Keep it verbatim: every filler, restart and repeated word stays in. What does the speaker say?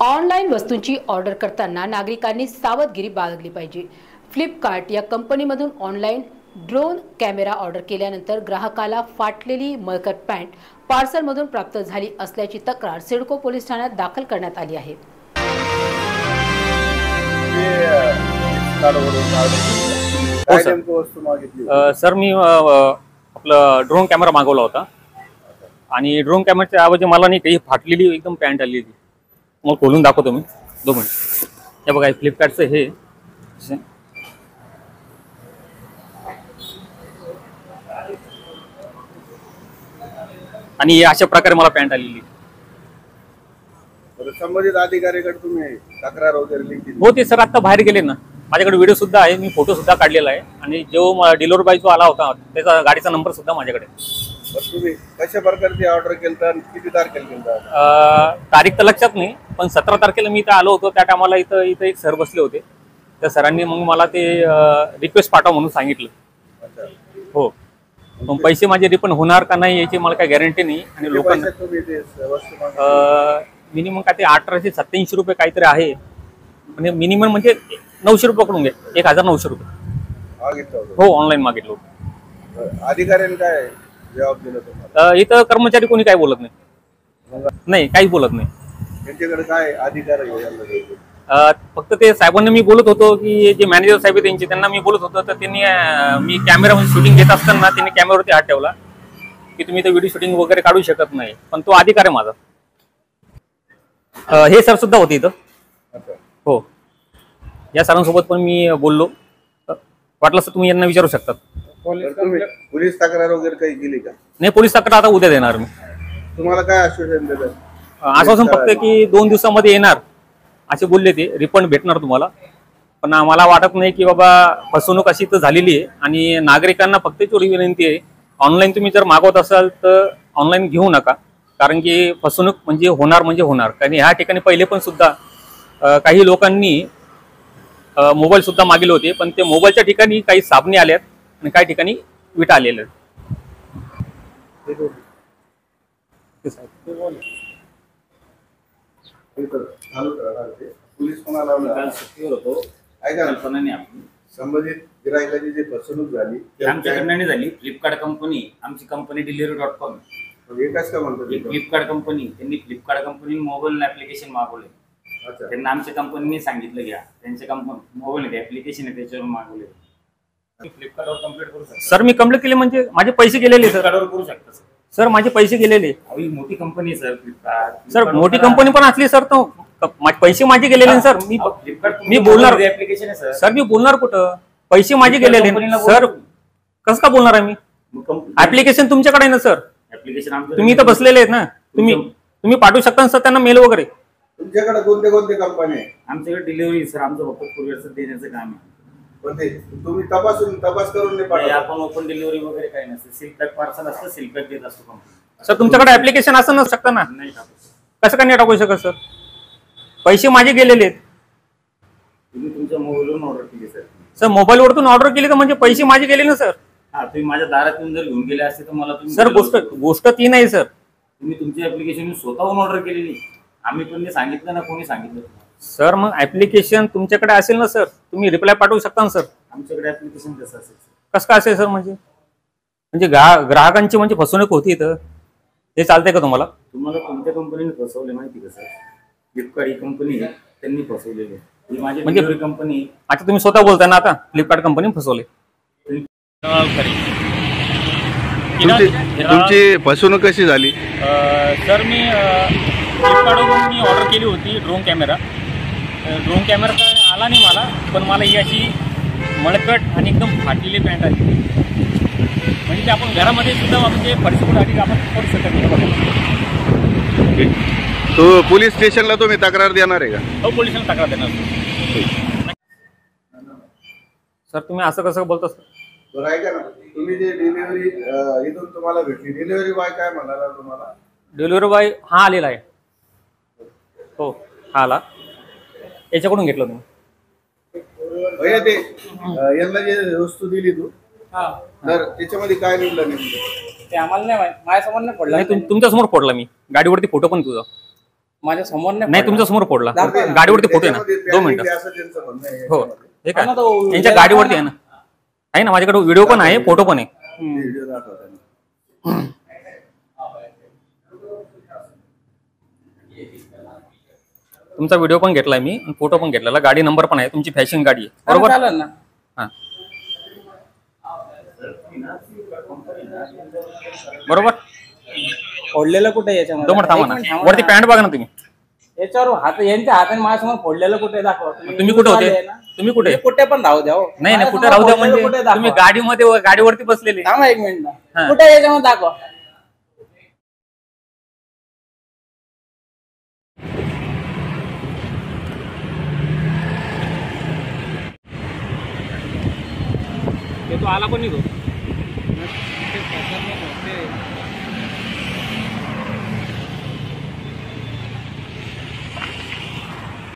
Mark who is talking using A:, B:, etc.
A: Online वस्तूंची order करताना नागरिकांनी सावधगिरी बाळगली पाहिजे। फ्लिपकार्ट या कंपनीमधून ऑनलाईन ड्रोन कॅमेरा ऑर्डर केल्यानंतर ग्राहकाला फाटलेली मळकट पॅन्ट पार्सलमधून प्राप्त झाली असल्याची तक्रार सिडको पोलीस ठाण्यात दाखल करण्यात आली आहे।
B: सर मी आपला ड्रोन कॅमेरा मागवला होता आणि ड्रोन कॅमेराच्या ऐवजी मला नाही काही फाटलेली एकदम पॅन्ट आली होती। मग खोलून दाखवतो मी, दोन मिनिट। हे बघा, फ्लिपकार्टचं हे आणि अशा प्रकारे मला पॅन्ट आलेली।
C: संबंधित अधिकाऱ्याकडे तुम्ही तक्रार वगैरे लिहिली?
B: हो, ते सर आता बाहेर गेले ना। माझ्याकडे व्हिडिओ सुद्धा आहे, मी फोटो सुद्धा काढलेला आहे आणि जो डिलिव्हरी बॉय जो आला होता त्याचा गाडीचा नंबर सुद्धा माझ्याकडे।
C: तुम्ही कशा प्रकारची ऑर्डर केलता आणि किती तारखेला केलता?
B: तारीख तर लक्षात नाही, पण सतरा तारखेला मी इथं आलो होतो। त्या टायमाला इथं इथं एक सर बसले होते, त्या सरांनी मग मला ते रिक्वेस्ट पाठवा म्हणून सांगितलं। हो, पण पैसे माझे रिफंड होणार का नाही याची मला काही गॅरंटी नाही। आणि लोकांना मिनिमम काय ते अठराशे सत्याऐंशी रुपये काहीतरी आहे, म्हणजे मिनिमम म्हणजे नऊशे रुपये पकडून घ्या, एक हजार नऊशे रुपये। हो, ऑनलाईन मागितलं होतं।
C: अधिकाऱ्यांनी काय जबाब दिला तुम्हाला?
B: इथं कर्मचारी कोणी काही बोलत नाही, नाही काही बोलत नाही।
C: त्यांच्याकडे काय अधिकार आहे?
B: फक्त ते साहेबांना मी बोलत होतो की जे मॅनेजर साहेब आहे त्यांचे, त्यांना मी बोलत होतो तर त्यांनी मी कॅमेरामध्ये शूटिंग घेत असताना त्यांनी कॅमेरावरती हात ठेवला की तुम्ही तर व्हिडिओ शूटिंग वगैरे काढू शकत नाही, पण तो अधिकार आहे माझा। हे सर सुद्धा होते इथं। हो, या सरांसोबत पण मी बोललो, वाटलं तर तुम्ही यांना विचारू शकतात।
C: पोलीस तक्रार वगैरे काही केली का?
B: नाही, पोलीस तक्रार आता उद्या देणार मी।
C: तुम्हाला काय आश्वासन दिलं?
B: आश्वासन फक्त की दोन दिवसामध्ये येणार असे बोलले ते, रिफंड भेटणार तुम्हाला। पण आम्हाला वाटत नाही की बाबा फसवणूक अशी तर झालेली आहे आणि नागरिकांना फक्त थोडी विनंती आहे, ऑनलाईन तुम्ही जर मागवत असाल तर ऑनलाईन घेऊ नका, कारण की फसवणूक म्हणजे होणार म्हणजे होणार। कारण ह्या ठिकाणी पहिले पण सुद्धा काही लोकांनी मोबाईल सुद्धा मागवले होते, पण ते मोबाईलच्या ठिकाणी काही साबणे आल्यात आणि काही ठिकाणी विटा आलेल्या आहेत।
C: पोलीस कोणाला होतो ऐका ना, संबंधित गिरायकाची जी फसवणूक झाली
D: आमच्याकडनं नाही झाली। फ्लिपकार्ट कंपनी, आमची कंपनी डिलिव्हरी डॉट कॉम,
C: एकाच का म्हणतो
D: फ्लिपकार्ट कंपनी, त्यांनी फ्लिपकार्ट कंपनी मोबाईल ऍप्लिकेशन मागवले। त्यांना आमच्या कंपनीने सांगितलं घ्या, त्यांच्या कंपनी मोबाईल ऍप्लिकेशन आहे त्याच्यावर मागवले। फ्लिपकार्टवर कंप्लीट करू शकता
B: सर। मी कंप्लीट केले म्हणजे माझे पैसे गेलेले सर।
D: फ्लिपकार्टवर करू शकता
B: सर, माझे पैसे गेलेले।
D: ही मोठी कंपनी सर फ्लिपकार्ट।
B: सर, मोठी कंपनी पण असली सर तर पैसे माझे गेलेले सर। मी मी बोलणार
D: ऍप्लिकेशन आहे सर।
B: सर, मी बोलणार कुठं? पैसे माझे गेलेले सर, कसं का बोलणार आहे मी? ऍप्लिकेशन तुमच्याकडे आहे ना सर,
D: ऍप्लिकेशन
B: तुम्ही इथं बसलेले आहेत ना, तुम्ही तुम्ही पाठवू शकता सर त्यांना मेल वगैरे।
C: तुमच्याकडे कोणते कोणते कंपनी आहे?
D: आमच्याकडे डिलिव्हरी सर, आमचं फक्त कुरिअरचं देण्याचं काम आहे।
C: पण ते तुम्ही तपासून तपास करून नाही पाठवत?
D: आपण ओपन डिलिव्हरी वगैरे काही नसते, सील पॅक पार्सल असतं, सील पॅक देत असतो कंपनी।
B: सर, तुमच्याकडे ऍप्लिकेशन असं नसू शकतं ना?
D: नाही टाकू।
B: कसं का नाही टाकू शकत सर? पैसे माझे गेलेले आहेत।
D: तुम्ही तुमच्या मोबाईलवरून ऑर्डर केली सर?
B: सर, मोबाईलवरतून ऑर्डर केली तर म्हणजे पैसे माझे गेले ना सर?
D: हा, तुम्ही माझ्या दारात येऊन जर घेऊन गेले असते तर मला तुम्ही
B: सर, गोष्ट गोष्ट ती नाही सर।
D: तुम्ही तुमची ऍप्लिकेशन स्वतःहून ऑर्डर केलेली, आम्ही पण सांगितलं ना, कोणी सांगितलं
B: सर? मग ऍप्लिकेशन तुमच्याकडे असेल ना सर, तुम्ही रिप्लाय पाठवू शकता ना सर?
D: आमच्याकडे ऍप्लिकेशन कसं असेल?
B: कसं काय असेल सर? म्हणजे म्हणजे ग्राहकांची म्हणजे फसवणूक होती तर हे चालतंय का तुम्हाला?
D: तुम्हाला कोणत्या कंपनीने फसवले माहिती का सर? फ्लिपकार्ट ही कंपनी त्यांनी फसवलेली आहे, ही माझी म्हणजे कंपनी।
B: आता तुम्ही स्वतः बोलताय ना, आता फ्लिपकार्ट कंपनी फसवले।
C: तुमची फसवणूक कशी झाली?
B: सर, मी फ्लिपकार्टवरून मी ऑर्डर केली होती ड्रोन कॅमेरा। ड्रोन कॅमेरा तर आला नाही मला, पण मला ही अशी मळकट आणि एकदम फाटलेली पॅन्ट आली, म्हणजे ते आपण घरामध्ये सुद्धा म्हणजे परिस्थिती आपण करू शकत नाही।
C: तो पोलीस स्टेशनला तुम्ही तक्रार देणार आहे का?
B: हो, पोलिसांना तक्रार देणार सर। तुम्ही असं कसं बोलता सर?
C: बरं, ऐका ना, तुम्ही जे डिलिव्हरी इथून तुम्हाला भेटली, डिलिव्हरी बॉय काय म्हणाला तुम्हाला?
B: डिलिव्हरी बॉय हा आलेला आहे। हो, हा आला, याच्याकडून घेतलं तुम्ही?
C: भैया, ते यांना जे वस्तू दिली तू, तर त्याच्यामध्ये काय निघलं नेमकं?
D: ते आम्हाला नाही माहित, माझ्यासमोर नाही पडला।
B: तुमच्या समोर फोडला मी, गाडीवरती फोटो पण तुझा।
E: माझ्या समोर
B: नाही तुमच्या समोर फोडला. गाडीवरती फोटो आहे ना, दोन मिनिटं.
C: असं त्यांचं म्हणणं आहे
B: हो
C: याच्यामध्ये.
B: हे काय
E: हा ना, तो
B: यांच्या गाडीवरती आहे ना, आहे ना माझ्याकडे व्हिडिओ पण आहे, फोटो पण आहे.
C: व्हिडिओ दाखवा त्यांना.
B: तुमचा व्हिडिओ पण घेतलाय मी, फोटो पण घेतलेला, गाडी नंबर पण आहे, तुमची फॅशन गाडी आहे
E: बरोबर
B: बरोबर.
E: चालेल ना.
B: हा बरोबर.
E: फोडलेलं कुठे याच्यामध्ये?
B: दोन मिनिट थांबा
E: एक
B: ना,
E: मिनिट थांबा
B: वरती
E: ना.
B: पॅन्ट बघा ना तुम्ही.
E: याच्यावर हात यांच्या हाताने माझ्यासमोर फोडलेलं कुठे दाखवा.
B: तुम्ही कुठे होते? तुम्ही कुठे?
E: कुठे पण राहू द्या हो.
B: नाही नाही, कुठे
E: माझ्यासमोर
B: राहू द्या
E: फोडलेलं
B: म्हणजे
E: कुठे दाखवा.
B: तुम्ही गाडीमध्ये गाडीवरती बसलेले.
E: थांबा एक मिनिट
B: हा.
E: ना, कुठे याच्यामध्ये दाखवा.
B: तो आला पण निघो.